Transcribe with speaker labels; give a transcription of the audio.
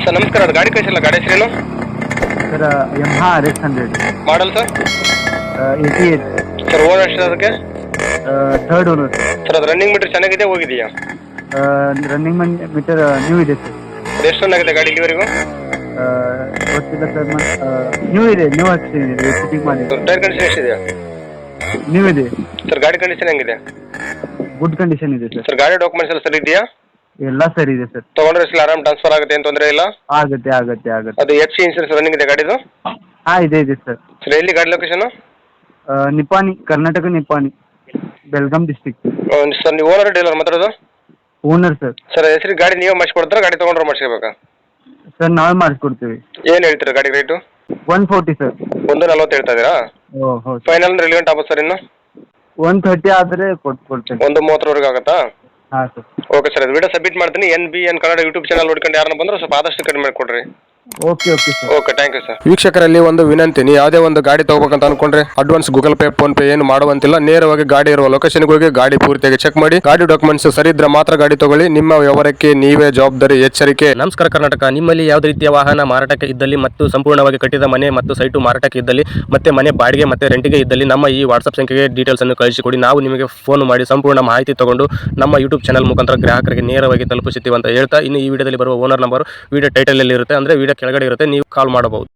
Speaker 1: Sir ನಮಸ್ಕಾರ, ಅದು ಗಾಡಿ ಕಳಿಸಿಲ್ಲ, ಗಾಡಿ ಹೆಸರೇನು?
Speaker 2: Sir Yamaha RX100
Speaker 1: model sir?
Speaker 2: 88
Speaker 1: sir owner ಎಷ್ಟು ಅದಕ್ಕೆ?
Speaker 2: Third owner.
Speaker 1: ಸರ್ ಅದು ರನ್ನಿಂಗ್ ಮೀಟರ್ ಚೆನ್ನಾಗಿದೆ, ಹೋಗಿದೆಯಾ?
Speaker 2: ರನ್ನಿಂಗ್ ಮೀಟರ್ ನ್ಯೂ ಇದೆ ಸರ್.
Speaker 1: ಅದು ಎಷ್ಟು ರನ್ ಆಗಿದೆ ಗಾಡಿ ಇಲ್ಲಿವರೆಗೂ?
Speaker 2: ಗೊತ್ತಿಲ್ಲ ಸರ್, ನ್ಯೂ ಇದೆ, ನ್ಯೂ ಹಾಕ್ಸಿದೆ, ಫಿಟ್ಟಿಂಗ್ ಮಾಡಿ.
Speaker 1: ಟೈರ್ ಕಂಡೀಷನ್ ಎಷ್ಟಿದೆ?
Speaker 2: ನ್ಯೂ ಇದೆ
Speaker 1: ಸರ್. ಗಾಡಿ ಕಂಡೀಷನ್ ಹೆಂಗಿದೆ?
Speaker 2: ಗುಡ್ ಕಂಡೀಷನ್ ಇದೆ ಸರ್.
Speaker 1: ಸರ್ ಗಾಡಿ ಡಾಕ್ಯುಮೆಂಟ್ಸ್ ಎಲ್ಲ ಸರಿ ಇದೆಯಾ?
Speaker 2: ಎಲ್ಲ ಸರಿ ಇದೆ ಸರ್.
Speaker 1: ತೊಗೊಂಡ್ರೆ ಎಷ್ಟು ಆರಾಮ್ ಟ್ರಾನ್ಸ್ಫರ್ ಆಗುತ್ತೆ, ಏನು ತೊಂದರೆ ಇಲ್ಲ?
Speaker 2: ಆಗುತ್ತೆ ಆಗುತ್ತೆ ಆಗುತ್ತೆ.
Speaker 1: ಅದು FC ಇನ್ಸೂರೆನ್ಸ್ ರನ್ನಿಂಗ್ ಇದೆ ಗಾಡಿದು?
Speaker 2: ಇದೆ ಇದೆ ಸರ್.
Speaker 1: ಸರ್ ಎಲ್ಲಿ ಗಾಡಿ location?
Speaker 2: Nipani, Karnataka Nipani, Belgaum district.
Speaker 1: Sir ನೀವು ಓನರ್ ಡೀಲರ್ ಮಾತಾಡೋದು?
Speaker 2: Owner sir.
Speaker 1: ಸರ್ ಹೆಸರು ಗಾಡಿ ನೀವೇ ಮಾಡಿಸ್ಕೊಡ್ತಾರ, ಗಾಡಿ ತೊಗೊಂಡ್ರೆ ಮಾಡಿಸ್ಕೋಬೇಕಾ?
Speaker 2: ಸರ್ ನಾವೇ ಮಾಡಿಸ್ಕೊಡ್ತೀವಿ.
Speaker 1: ಏನು ಹೇಳ್ತೀರಾ ಗಾಡಿ ರೇಟು?
Speaker 2: 140 ಸರ್.
Speaker 1: 140 ಹೇಳ್ತಾ ಇದ್ದೀರಾ?
Speaker 2: ಹೌದು.
Speaker 1: ಫೈನಲ್ ಅಂದ್ರೆ ಎಲ್ಲಿ ಗಂಟೆ ಆಗುತ್ತೆ ಸರ್ ಇನ್ನು?
Speaker 2: 130 ಆದರೆ ಕೊಡ್ತೇನೆ.
Speaker 1: 130 ಆಗುತ್ತಾ?
Speaker 2: ಹಾಂ ಸರ್.
Speaker 1: ಓಕೆ ಸರ್, ಅದು ವಿಡಿಯೋ ಸಬ್ಮಿಟ್ ಮಾಡ್ತೀನಿ. NBN ಕನ್ನಡ ಯೂಟ್ಯೂಬ್ ಚಾನಲ್ ನೋಡ್ಕೊಂಡು ಯಾರನ್ನ ಬಂದ್ರೆ ಸ್ವಲ್ಪ ಆದಷ್ಟು ಕಡಿಮೆ ಮಾಡಿಕೊಡ್ರಿ.
Speaker 2: Okay sir.
Speaker 1: Okay, thank you sir. ವೀಕ್ಷಕರಲ್ಲಿ ಒಂದು ವಿನಂತಿ, ನೀವು ಯಾವುದೇ ಒಂದು ಗಾಡಿ ತಗೋಬೇಕಂತ ಅನ್ಕೊಂಡ್ರೆ advance Google Pay, PhonePe ಏನು ಮಾಡುವಂತಿಲ್ಲ. ನೇರವಾಗಿ ಗಾಡಿ ಇರುವ ಲೊಕೇಶನ್ಗೆ ಹೋಗಿ ಗಾಡಿ ಪೂರ್ತಿಯಾಗಿ ಚೆಕ್ ಮಾಡಿ, ಗಾಡಿ ಡಾಕ್ಯುಮೆಂಟ್ಸ್ ಸರಿ ಇದ್ರೆ ಮಾತ್ರ ಗಾಡಿ ತಗೊಳ್ಳಿ. ನಿಮ್ಮ ವ್ಯವಹಾರಕ್ಕೆ ನೀವೇ ಜವಾಬ್ದಾರಿ, ಎಚ್ಚರಿಕೆ.
Speaker 3: ನಮಸ್ಕಾರ ಕರ್ನಾಟಕ. ನಿಮ್ಮಲ್ಲಿ ಯಾವುದೇ ರೀತಿಯ ವಾಹನ ಮಾರಾಟಕ್ಕೆ ಇದ್ದಲ್ಲಿ ಮತ್ತು ಸಂಪೂರ್ಣವಾಗಿ ಕಟ್ಟಿದ ಮನೆ ಮತ್ತು ಸೈಟು ಮಾರಾಟಕ್ಕೆ ಇದ್ದಲ್ಲಿ ಮತ್ತೆ ಮನೆ ಬಾಡಿಗೆ ಮತ್ತೆ ರೆಂಟಿಗೆ ಇದ್ದಲ್ಲಿ ನಮ್ಮ ಈ ವಾಟ್ಸ್ಆಪ್ ಸಂಖ್ಯೆಗೆ ಡೀಟೇಲ್ಸ್ ಅನ್ನು ಕಳಿಸಿಕೊಡಿ. ನಾವು ನಿಮಗೆ ಫೋನ್ ಮಾಡಿ ಸಂಪೂರ್ಣ ಮಾಹಿತಿ ತಗೊಂಡು ನಮ್ಮ ಯೂಟ್ಯೂಬ್ ಚಾನಲ್ ಮುಖಾಂತರ ಗ್ರಾಹಕರಿಗೆ ನೇರವಾಗಿ ತಲುಪಿಸುತ್ತೀವಿ ಅಂತ ಹೇಳ್ತಾ, ಇನ್ನು ಈ ವಿಡಿಯೋದಲ್ಲಿ ಬರುವ ಓನರ್ ನಂಬರ್ ವಿಡಿಯೋ ಟೈಟಲ್ ಅಲ್ಲಿ ಇರುತ್ತೆ, ಅಂದ್ರೆ ವಿಡಿಯೋ ಕೆಳಗಡೆ ಇರುತ್ತೆ, ನೀವು ಕಾಲ್ ಮಾಡಬಹುದು.